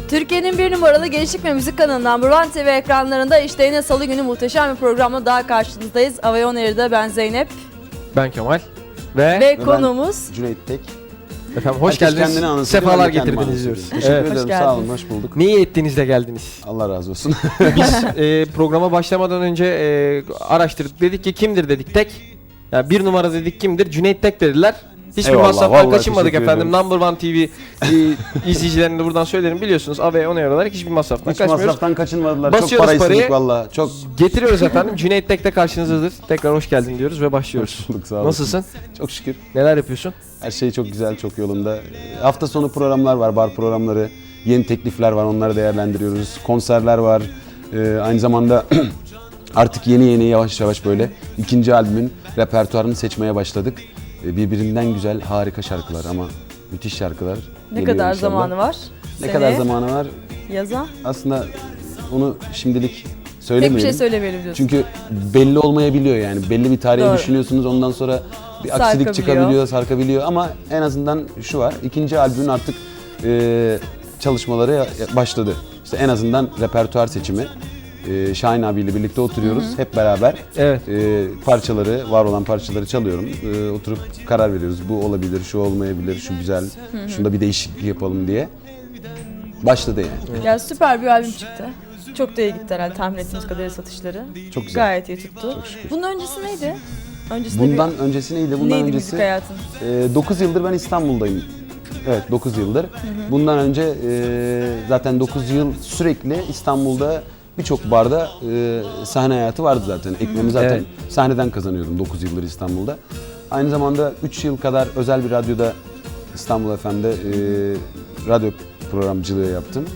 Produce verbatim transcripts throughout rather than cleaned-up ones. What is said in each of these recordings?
Türkiye'nin bir numaralı gençlik ve müzik kanalı Number One T V ekranlarında işte yine salı günü muhteşem bir programla daha karşınızdayız. Avey On Air'da ben Zeynep. Ben Kemal. Ve, Ve, Ve konuğumuz Cüneyt Tek. efendim hoş Herkes geldiniz. kendini anlatıyor, Sefalar ben de kendimi getirdiniz anlatıyorum. diyoruz. Teşekkür Evet. ederim. Hoş Sağ olun. geldiniz. Hoş bulduk. Niye ettiniz de geldiniz? Allah razı olsun. Biz e, programa başlamadan önce e, araştırdık. Dedik ki kimdir dedik Tek. Yani bir numara dedik kimdir? Cüneyt Tek dediler. Hiçbir Eyvallah, masraftan vallahi kaçınmadık teşekkür efendim. ederim. Number One T V e, izleyicilerine de buradan söylerim. Biliyorsunuz Avey On Air olarak hiçbir masraftan Hiç kaçmıyoruz. masraftan kaçınmadılar. Çok Basıyoruz para parayı. istedik valla. Çok Getiriyoruz efendim. Cüneyt Tek de karşınızdadır. Tekrar hoş geldin diyoruz ve başlıyoruz. hoş bulduk. Sağ olasın. Nasılsın? Çok şükür. Neler yapıyorsun? Her şey çok güzel, çok yolunda. Ee, Hafta sonu programlar var, bar programları. Yeni teklifler var, onları değerlendiriyoruz. Konserler var. Ee, aynı zamanda artık yeni yeni yavaş yavaş böyle ikinci albümün repertuarını seçmeye başladık. Ee, birbirinden güzel, harika şarkılar ama müthiş şarkılar. ne geliyor kadar inşallah. zamanı var? Ne Seneye kadar zamanı var? Yaza. Aslında onu şimdilik Tek bir söylemeyelim. şey söylemeyelim diyorsun. Çünkü belli olmayabiliyor yani. Belli bir tarihe Doğru. düşünüyorsunuz, ondan sonra bir aksilik Sarkabiliyor. çıkabiliyor, sarkabiliyor ama en azından şu var. İkinci albümün artık e, çalışmaları başladı. İşte en azından repertuar seçimi. E, Şahin abiyle birlikte oturuyoruz hep beraber. Evet. E, parçaları, var olan parçaları çalıyorum. E, oturup karar veriyoruz. Bu olabilir, şu olmayabilir, şu güzel, şunda bir değişiklik yapalım diye. Başladı yani. Ya süper bir albüm çıktı. Çok da iyi gitti herhalde tahmin ettiğimiz kadarıyla satışları. Çok güzel. Gayet iyi tuttu. Çok şükür. Bunun öncesi neydi? Öncesinde Bundan öncesi neydi? bir, Bundan neydi öncesi müzik hayatın? dokuz yıldır ben İstanbul'dayım. Evet, dokuz yıldır. Bundan önce e, zaten dokuz yıl sürekli İstanbul'da birçok barda e, sahne hayatı vardı zaten. Ekmeğimi zaten Evet. sahneden kazanıyordum dokuz yıldır İstanbul'da. Aynı zamanda üç yıl kadar özel bir radyoda İstanbul F M'de e, radyo programcılığı yaptım.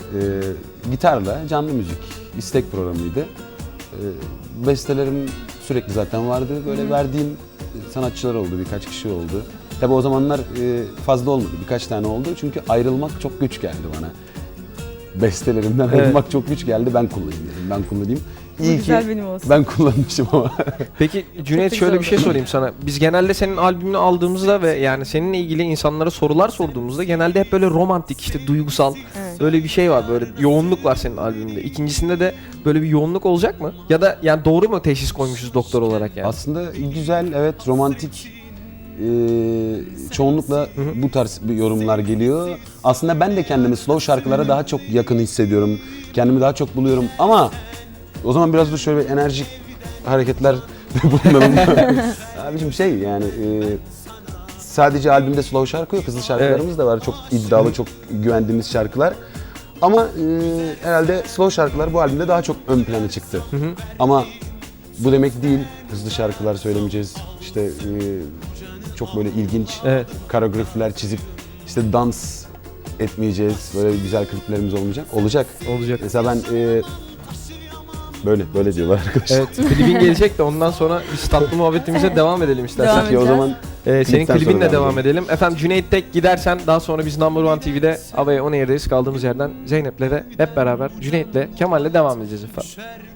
E, gitarla canlı müzik istek programıydı. E, bestelerim sürekli zaten vardı. Böyle verdiğim sanatçılar oldu, birkaç kişi oldu. Tabi o zamanlar e, fazla olmadı, birkaç tane oldu. Çünkü ayrılmak çok güç geldi bana. Bestelerimden Evet. ayrılmak çok güç geldi. Ben kullanayım dedim, ben kullanayım. İyi ki güzel benim olsun. ben kullanmışım ama. Peki Cüneyt Çok şöyle güzel bir şey oldu. sorayım sana. Biz genelde senin albümünü aldığımızda ve yani seninle ilgili insanlara sorular sorduğumuzda genelde hep böyle romantik, işte duygusal Evet. böyle bir şey var, böyle yoğunluk var senin albümünde. İkincisinde de böyle bir yoğunluk olacak mı? Ya da yani doğru mu teşhis koymuşuz doktor olarak yani? Aslında güzel, evet, romantik. e, çoğunlukla bu tarz bir yorumlar geliyor. Aslında ben de kendimi slow şarkılara daha çok yakın hissediyorum. Kendimi daha çok buluyorum ama o zaman biraz da şöyle enerjik hareketler bulunalım. Abicim şey yani e, sadece albümde slow şarkı yok, hızlı şarkılarımız da var. Çok iddialı, çok güvendiğimiz şarkılar. Ama e, herhalde slow şarkılar bu albümde daha çok ön plana çıktı. Ama bu demek değil, hızlı şarkılar söylemeyeceğiz. İşte e, çok böyle ilginç Evet. koreografiler çizip işte dans etmeyeceğiz. Böyle güzel kliplerimiz olmayacak. Olacak. Olacak. Mesela ben e, böyle böyle diyorlar arkadaşlar. Evet, klibin gelecek de ondan sonra biz tatlı muhabbetimize devam edelim istersen. Devam Peki o edeceğiz. zaman Ee, senin klipten klibinle sonra devam edelim. Efendim Cüneyt Tek gidersen daha sonra biz Number One T V'de Avey On Air'deyiz. Kaldığımız yerden Zeynep'le de hep beraber Cüneyt'le, Kemal'le devam edeceğiz efendim.